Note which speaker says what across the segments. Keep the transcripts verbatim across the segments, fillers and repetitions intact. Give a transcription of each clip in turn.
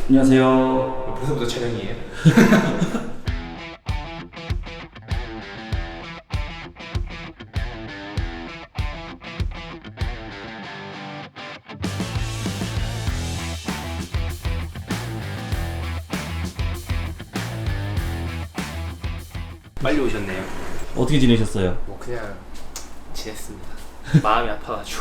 Speaker 1: 안녕하세요.
Speaker 2: 벌써부터 촬영이에요? 빨리 오셨네요.
Speaker 1: 어떻게 지내셨어요?
Speaker 2: 뭐 그냥 지냈습니다. 마음이 아파가지고.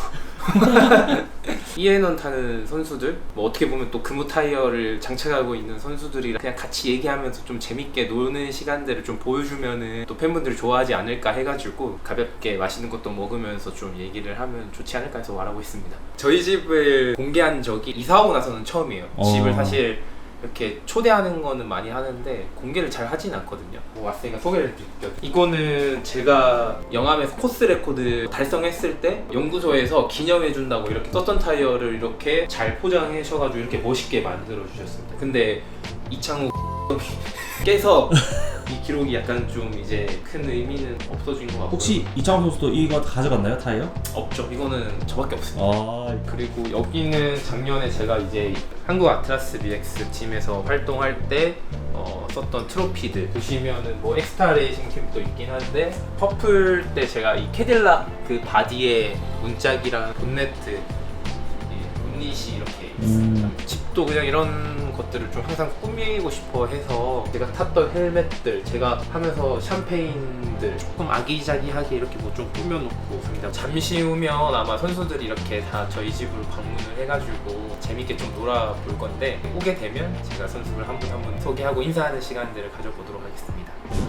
Speaker 2: 이에넌 타는 선수들, 뭐 어떻게 보면 또 금호 타이어를 장착하고 있는 선수들이랑 그냥 같이 얘기하면서 좀 재밌게 노는 시간들을 좀 보여주면은 또 팬분들이 좋아하지 않을까 해가지고 가볍게 맛있는 것도 먹으면서 좀 얘기를 하면 좋지 않을까 해서 말하고 있습니다. 저희 집을 공개한 적이 이사 오고 나서는 처음이에요.
Speaker 1: 어.
Speaker 2: 집을 사실 이렇게 초대하는 거는 많이 하는데 공개를 잘 하진 않거든요. 뭐 왔으니까 소개를 드릴게요. 이거는 제가 영암에서 코스 레코드 달성했을 때 연구소에서 기념해준다고 이렇게 썼던 타이어를 이렇게 잘 포장하셔가지고 이렇게 멋있게 만들어 주셨습니다. 근데 이창호 깨서 이 기록이 약간 좀 이제 큰 의미는 없어진 것 같고.
Speaker 1: 혹시 이창호 선수도 이거 가져갔나요, 타이어?
Speaker 2: 없죠. 이거는 저밖에 없습니다.
Speaker 1: 아,
Speaker 2: 그리고 여기는 작년에 제가 이제 한국 아트라스 리렉스 팀에서 활동할 때 어, 썼던 트로피들 보시면은 뭐 엑스타 레이싱 팀도 있긴 한데 퍼플 때 제가 이 캐딜락 그 바디에 문짝이랑 본네트 이 문닛이 이렇게 있습니다.
Speaker 1: 음.
Speaker 2: 집도 그냥 이런 것들을 좀 항상 꾸미고 싶어 해서 제가 탔던 헬멧들, 제가 하면서 샴페인들 조금 아기자기하게 이렇게 뭐 좀 꾸며놓고 있습니다. 잠시 후면 아마 선수들이 이렇게 다 저희 집으로 방문을 해가지고 재밌게 좀 놀아볼 건데 오게 되면 제가 선수를 한 분 한 분 소개하고 인사하는 시간들을 가져보도록 하겠습니다.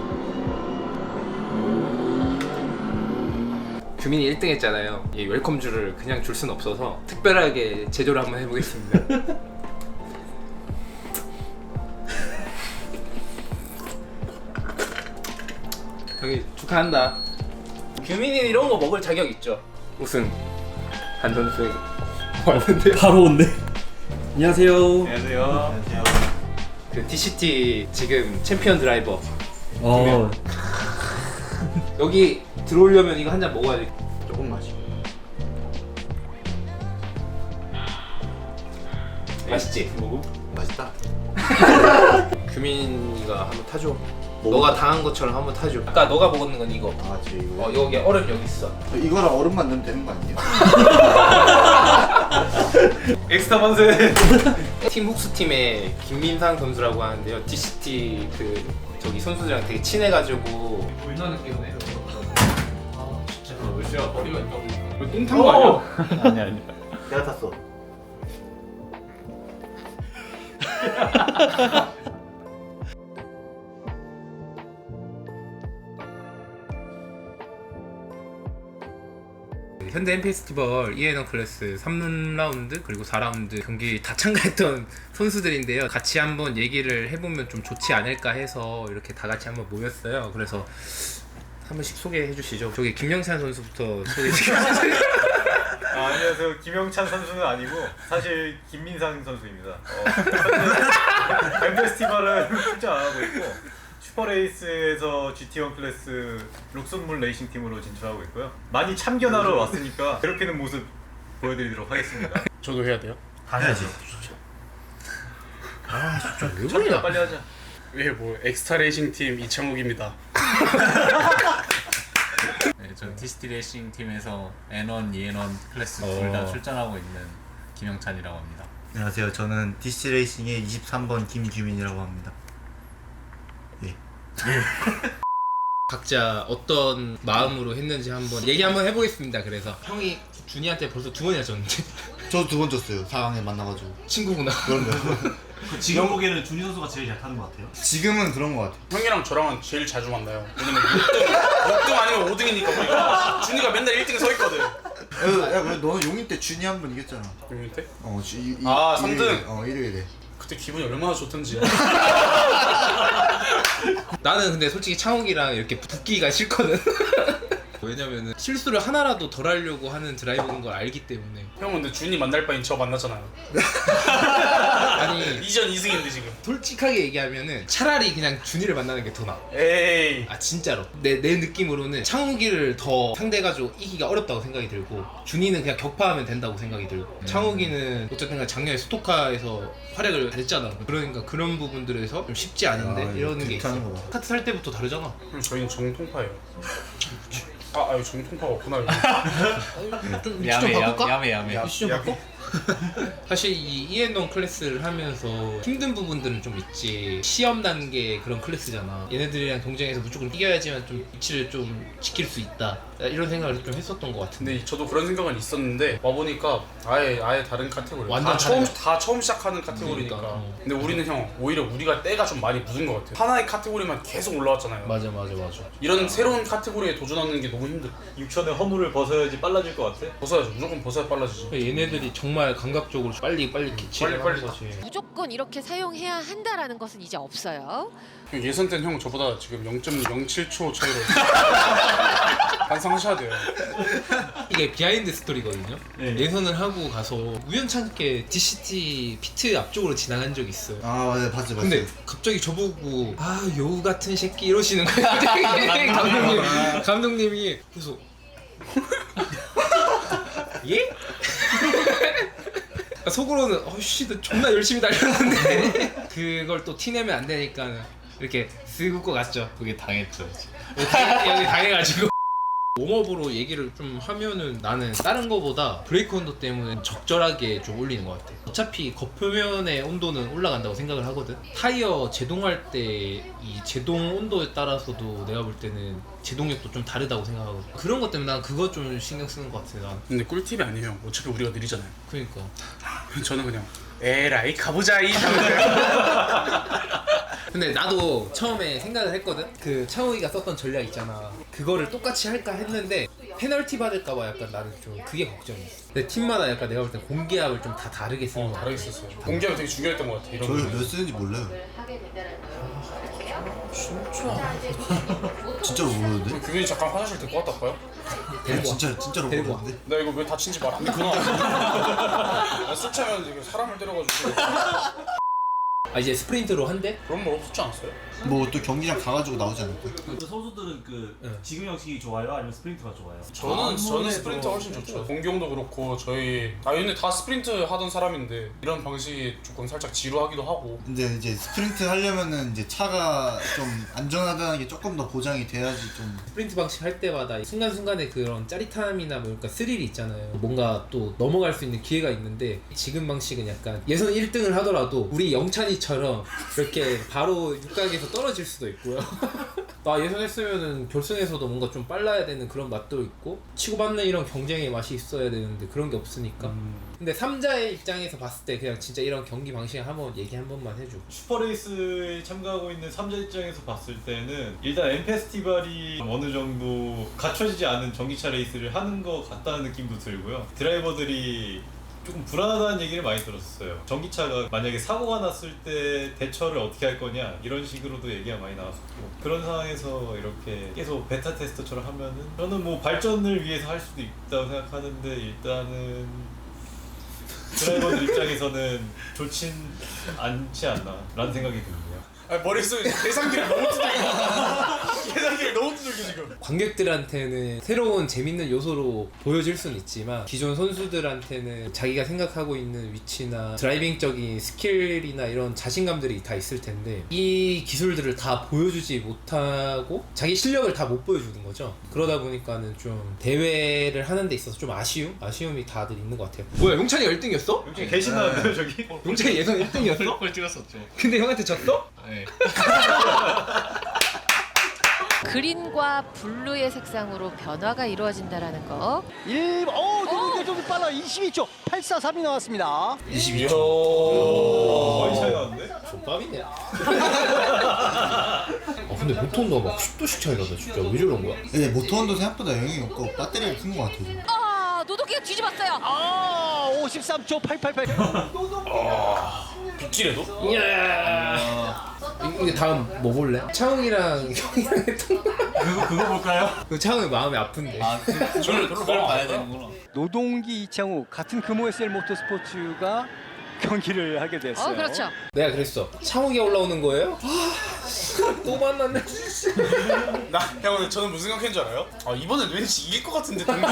Speaker 2: 규민이 일 등 했잖아요. 이 웰컴주를 그냥 줄 수는 없어서 특별하게 제조를 한번 해보겠습니다. 형이 축하한다. 규민이 이런 거 먹을 자격 있죠. 우승 한 선수에게 왔는데요.
Speaker 1: 바로 온네. 안녕하세요.
Speaker 2: 안녕하세요. 안녕하세요. 그 디씨티 지금 챔피언 드라이버.
Speaker 1: 어,
Speaker 2: 여기 들어오려면 이거 한 잔 먹어야 돼.
Speaker 3: 조금 마시고.
Speaker 2: 맛있지? 먹어?
Speaker 3: 맛있다.
Speaker 2: 규민이가 한번 타줘. 너가 당한 것처럼 한번 타줘. 아까 너가 먹었는 건 이거.
Speaker 3: 아, 저 이거.
Speaker 2: 어 여기 얼음 여기 있어.
Speaker 3: 이거랑 얼음만 넣으면 되는 거 아니에요?
Speaker 2: 엑스타 만세. 팀 훅스 팀의 김민상 선수라고 하는데요. 디씨티 그 저기 선수들이랑 되게 친해가지고 불나 느끼네. 아 진짜. 왜 씨야 머리가 있다고. 똥탄 거 아니야?
Speaker 1: 아니 아니.
Speaker 3: 내가 탔어.
Speaker 2: 현대 엠 페스티벌 이에넌 클래스 삼 라운드 그리고 사 라운드 경기 다 참가했던 선수들인데요. 같이 한번 얘기를 해보면 좀 좋지 않을까 해서 이렇게 다 같이 한번 모였어요. 그래서 한 번씩 소개해 주시죠. 저기 김영찬 선수부터 소개해 주시죠.
Speaker 4: 아, 안녕하세요. 김영찬 선수는 아니고 사실 김민상 선수입니다. 어, 엠 페스티벌은 출전 안 하고 있고 슈퍼레이스에서 지티 원 클래스 록슨물 레이싱 팀으로 진출하고 있고요. 많이 참견하러 왔으니까 괴롭히는 모습 보여드리도록 하겠습니다.
Speaker 5: 저도 해야 돼요?
Speaker 3: 해야지.
Speaker 2: 아 진짜 왜
Speaker 4: 참견
Speaker 2: 그러냐.
Speaker 4: 빨리 하자.
Speaker 5: 예, 뭐 엑스타 레이싱 팀 이창욱입니다.
Speaker 6: 네, 전 디씨티 레이싱 팀에서 엔 원, 이 엔 원 클래스
Speaker 2: 어.
Speaker 6: 둘 다 출전하고 있는 김영찬이라고 합니다.
Speaker 7: 안녕하세요. 저는 디씨 레이싱의 이십삼 번 김규민이라고 합니다. 예.
Speaker 2: 각자 어떤 마음으로 했는지 한번 얘기 한번 해보겠습니다. 그래서 형이 준이한테 벌써 두 번이나 졌는데
Speaker 7: 저도 두 번 졌어요. 사 강에 만나가지고.
Speaker 2: 친구구나.
Speaker 7: 그런가요?
Speaker 1: 지금 보기에는 준희 선수가 제일 잘 타는 것 같아요.
Speaker 7: 지금은 그런 것 같아요.
Speaker 5: 형이랑 저랑은 제일 자주 만나요. 왜냐면 육 등, 육 등 아니면 오 등이니까 우리가. 준이가 맨날 일 등에 서 있거든.
Speaker 7: 야, 야, 그래 너는 용인 때 준이 한 번 이겼잖아.
Speaker 5: 용인 때?
Speaker 7: 어, 주, 이, 이,
Speaker 5: 아, 삼
Speaker 7: 일요일에.
Speaker 5: 등?
Speaker 7: 어, 일요일에.
Speaker 5: 그때 기분이 얼마나 좋던지.
Speaker 2: 나는 근데 솔직히 창욱이랑 이렇게 붙기가 싫거든. 왜냐면은 실수를 하나라도 덜 하려고 하는 드라이버인 걸 알기 때문에.
Speaker 5: 형 근데 준이 만날 바엔 저 만나잖아요.
Speaker 2: 아니
Speaker 5: 이전 이 승인데 지금.
Speaker 2: 솔직하게 얘기하면은 차라리 그냥 준이를 만나는 게 더 나아.
Speaker 5: 에이.
Speaker 2: 아 진짜로 내, 내 느낌으로는 창욱이를 더 상대가지고 이기가 어렵다고 생각이 들고 준이는 그냥 격파하면 된다고 생각이 들고
Speaker 7: 음.
Speaker 2: 창욱이는 어쨌든 간 작년에 스토카에서 활약을 했잖아. 그러니까 그런 부분들에서 좀 쉽지 않은데
Speaker 7: 아,
Speaker 2: 이러는 게 있어.
Speaker 7: 극한인 거 봐.
Speaker 2: 카트 살 때부터 다르잖아.
Speaker 5: 그럼 저희는 정통파예요. 아, 아유 정통파가 없구나. 이거.
Speaker 2: 좀 위치 좀
Speaker 6: 야매
Speaker 2: 바꿀까?
Speaker 6: 야매 야매.
Speaker 2: 위치 좀 바꿔? 사실 이 이앤원 클래스를 하면서 힘든 부분들은 좀 있지. 시험 단계 그런 클래스잖아. 얘네들이랑 경쟁해서 무조건 이겨야지만 좀 위치를 좀 지킬 수 있다. 이런 생각을 좀 했었던 것 같은데.
Speaker 5: 근데 저도 그런 생각은 있었는데 와 보니까 아예 아예 다른 카테고리.
Speaker 2: 완전
Speaker 5: 다 처음
Speaker 2: 다르네.
Speaker 5: 다 처음 시작하는 카테고리니까.
Speaker 2: 그러니까, 어.
Speaker 5: 근데 우리는 형 오히려 우리가 때가 좀 많이 묻은 것 같아요. 하나의 카테고리만 계속 올라왔잖아요.
Speaker 2: 맞아 맞아 맞아.
Speaker 5: 이런 새로운 카테고리에 도전하는 게 너무 힘들어.
Speaker 4: 육천의 허물을 벗어야지 빨라질 것 같아.
Speaker 5: 벗어야죠. 무조건 벗어야 빨라지지.
Speaker 2: 얘네들이 정말 감각적으로 빨리 빨리 캐치를
Speaker 5: 빨리,
Speaker 2: 하는
Speaker 5: 빨리
Speaker 2: 거지.
Speaker 8: 무조건 이렇게 사용해야 한다라는 것은 이제 없어요.
Speaker 5: 예선 때는 형 저보다 지금 영 점 영칠 초 차이로 반성하셔야 돼요.
Speaker 2: 이게 비하인드 스토리거든요.
Speaker 1: 네.
Speaker 2: 예선을 하고 가서 우연찮게 디씨티 피트 앞쪽으로 지나간 적이 있어요.
Speaker 7: 아 맞아 봤지 봤지.
Speaker 2: 근데 갑자기 저보고 아 여우 같은 새끼 이러시는 거예요. 감독님 감독님이 그래서 예? 속으로는 어씨 너 존나 열심히 달렸는데 그걸 또 티내면 안 되니까 이렇게 쓱 웃고 갔죠.
Speaker 6: 그게 당했죠.
Speaker 2: 여기 당해가지고 웜업으로 얘기를 좀 하면은 나는 다른 거보다 브레이크 온도 때문에 적절하게 좀 올리는 것 같아. 어차피 겉표면의 온도는 올라간다고 생각을 하거든. 타이어 제동할 때 이 제동 온도에 따라서도 내가 볼 때는 제동력도 좀 다르다고 생각하거든. 그런 것 때문에 난 그거 좀 신경 쓰는 것 같아. 난
Speaker 5: 근데 꿀팁이 아니에요. 어차피 우리가 느리잖아요.
Speaker 2: 그러니까
Speaker 5: 저는 그냥 에라이 가보자 이.
Speaker 2: 근데 나도 처음에 생각을 했거든. 그 차오이가 썼던 전략 있잖아. 그거를 똑같이 할까 했는데 페널티 받을까봐 약간 나는 좀 그게 걱정이었어. 근데 팀마다 약간 내가 볼 땐 공기압을 좀 다 다르게 쓰는
Speaker 5: 어,
Speaker 2: 거 같아.
Speaker 5: 다르게 썼어요. 공개가 되게 중요했던 것 같아. 이런
Speaker 7: 저희
Speaker 5: 거.
Speaker 7: 몇 쓰는지 몰라요. 진짜로 모르는데?
Speaker 5: 규빈이 잠깐 화장실 데리고 갔다 올까요?
Speaker 2: 데리고 와.
Speaker 7: 진짜 진짜로
Speaker 2: 데리고 와.
Speaker 7: 모르는데?
Speaker 5: 나 이거 왜 다친지 말 안 했구나. 나술 취하면 이거 사람을 때려가지고.
Speaker 2: 아 이제 스프린트로 한대?
Speaker 5: 그런 말 없었지 않았어요?
Speaker 7: 뭐 또 경기장 가가지고 나오지 않을까?
Speaker 1: 그 선수들은 그
Speaker 2: 응.
Speaker 1: 지금 형식이 좋아요? 아니면 스프린트가 좋아요?
Speaker 5: 저는 저는 스프린트 훨씬 좋죠. 공경도 그렇고 저희 아 근데 다 스프린트 하던 사람인데 이런 방식이 조금 살짝 지루하기도 하고.
Speaker 7: 근데 이제 스프린트 하려면은 이제 차가 좀 안전하다는 게 조금 더 보장이 돼야지 좀.
Speaker 2: 스프린트 방식 할 때마다 순간순간의 그런 짜릿함이나 뭐 그러니까 스릴이 있잖아요. 뭔가 또 넘어갈 수 있는 기회가 있는데 지금 방식은 약간 예선 일 등을 하더라도 우리 영찬이처럼 이렇게 바로 육각에서 떨어질 수도 있고요. 나 예선 했으면은 결승에서도 뭔가 좀 빨라야 되는 그런 맛도 있고 치고받는 이런 경쟁의 맛이 있어야 되는데 그런 게 없으니까. 근데 삼자의 입장에서 봤을 때 그냥 진짜 이런 경기 방식 한번 얘기 한 번만 해줘.
Speaker 4: 슈퍼레이스에 참가하고 있는 삼자 입장에서 봤을 때는 일단 M 페스티벌이 어느 정도 갖춰지지 않은 전기차 레이스를 하는 것 같다는 느낌도 들고요. 드라이버들이 조금 불안하다는 얘기를 많이 들었어요. 전기차가 만약에 사고가 났을 때 대처를 어떻게 할 거냐 이런 식으로도 얘기가 많이 나왔었고 그런 상황에서 이렇게 계속 베타 테스터처럼 하면은 저는 뭐 발전을 위해서 할 수도 있다고 생각하는데 일단은 드라이버들 입장에서는 좋진 않지 않나 라는 생각이 듭니다.
Speaker 5: 아 머릿속에 계산기를 너무 두들겨. 계산기를 너무 두들겨 지금.
Speaker 2: 관객들한테는 새로운 재밌는 요소로 보여질 수는 있지만 기존 선수들한테는 자기가 생각하고 있는 위치나 드라이빙적인 스킬이나 이런 자신감들이 다 있을 텐데 이 기술들을 다 보여주지 못하고 자기 실력을 다 못 보여주는 거죠. 그러다 보니까는 좀 대회를 하는 데 있어서 좀 아쉬움? 아쉬움이 다들 있는 것 같아요. 뭐야 용찬이 일 등이었어?
Speaker 4: 혹시 계신 나왔나요 저기?
Speaker 2: 용찬이 예선 일 등이었어?
Speaker 6: 걸 찍었었죠.
Speaker 2: 근데 형한테 졌어?
Speaker 6: 네.
Speaker 8: 그린과 블루의 색상으로 변화가 이루어진다라는 거.
Speaker 9: 일, 어, 좀, 좀 빨라. 이십이 초 팔사삼이 나왔습니다.
Speaker 2: 이십이 초.
Speaker 4: 많이 차이 나는데?
Speaker 2: 족밥이네. 아 근데 모터온도가 막 십 도씩 차이 나다 진짜. 왜 저런 거야?
Speaker 7: 근데 모터온도 생각보다 영향이 없고 배터리가 큰 것 같아요. 지금.
Speaker 8: 아, 노도기가 뒤집었어요.
Speaker 9: 아, 오십삼 초 팔팔팔.
Speaker 5: 빗길에도?
Speaker 2: 이야. 이게 다음 뭐 볼래? 차웅이랑 형이랑 했던 거.
Speaker 1: 그거 그거 볼까요?
Speaker 2: 그 차웅이 마음이 아픈데.
Speaker 6: 아, 그, 그걸 그걸 봐야 되는구나.
Speaker 9: 노동기 이창우 같은 금호에스엘 모터스포츠가 경기를 하게 됐어요.
Speaker 8: 어, 그렇죠.
Speaker 2: 내가 그랬어. 창욱이 올라오는 거예요? 또 만났네.
Speaker 5: 나 형 오늘 저는 무슨 생각한 줄 알아요? 아 이번엔 왠지 이길 것 같은데 동규 형.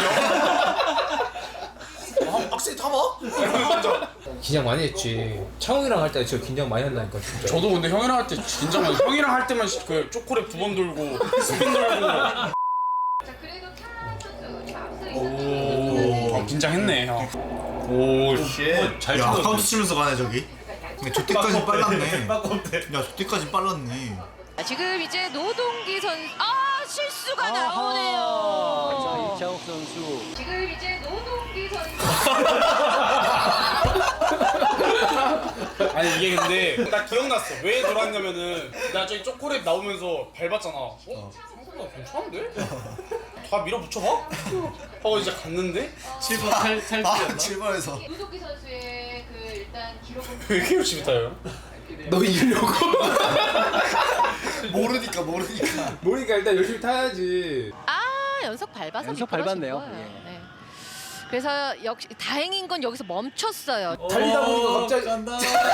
Speaker 5: 아, 빡세게 타봐? 이러면서
Speaker 2: 긴장 많이 했지. 창욱이랑 할 때 진짜 긴장 많이 한다니까 진짜.
Speaker 5: 저도 근데 형이랑 할 때 긴장 많이 형이랑 할 때만 그 초콜릿 두 번 돌고 스핀 돌고 오 아, 긴장했네 형. 오 쉣.
Speaker 1: 잘
Speaker 7: 야,
Speaker 1: 치고
Speaker 7: 카운트 치면서 가네 저기. 근데 저때까지 빨랐네.
Speaker 1: 빠꼼대.
Speaker 7: 야, 저때까지 빨랐네.
Speaker 8: 자, 지금 이제 노동기 선수 아 실수가
Speaker 9: 아하.
Speaker 8: 나오네요.
Speaker 9: 자, 이창욱 선수.
Speaker 8: 지금 이제 노동기 선수
Speaker 5: 아니 이게 근데 나 기억났어. 왜 돌았냐면은 나 저기 초콜릿 나오면서 밟았잖아. 어? 생각보다 괜찮은데? 다 밀어붙여봐? 하고 이제 갔는데
Speaker 1: 칠 번 탈 탈출이었나?
Speaker 7: 아, 칠 번에서.
Speaker 8: 노동기 선수의 그 일단 기록은
Speaker 5: 왜 이렇게 열심히 타요?
Speaker 2: 너 이기려고?
Speaker 7: 모르니까 모르니까.
Speaker 2: 모르니까 일단 열심히 타야지.
Speaker 8: 아 연속 밟아서
Speaker 9: 연속
Speaker 8: 미끄러진
Speaker 9: 밟았네요.
Speaker 8: 거예요.
Speaker 9: 예.
Speaker 8: 네. 그래서 역시 다행인 건 여기서 멈췄어요.
Speaker 2: 달리다 보니까 갑자기
Speaker 1: 간다.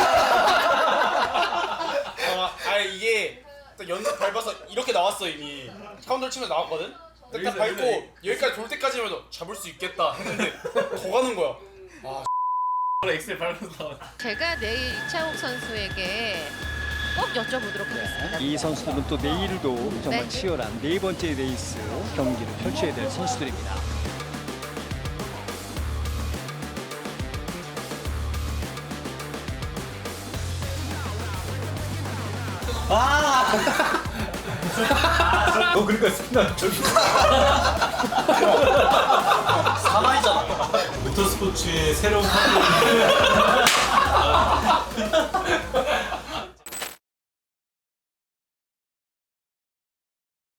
Speaker 5: 아, 아니 이게 딱 연속 밟아서 이렇게 나왔어 이미. 카운터를 치면서 나왔거든? 딱, 딱 밟고 여기까지 돌 때까지만 해도 잡을 수 있겠다 했는데 더 가는 거야.
Speaker 1: 엑셀 밟아서 나왔.
Speaker 8: 제가 내일 이창욱 선수에게 꼭 여쭤보도록 하겠습니다.
Speaker 9: 이 선수들은 또 내일도 정말
Speaker 8: 네.
Speaker 9: 치열한 네 번째 레이스 경기를 펼쳐야 될 선수들입니다.
Speaker 1: 너 그러니까 스피드 저기. 사나이잖아. 모터스포츠의 새로운 파트너.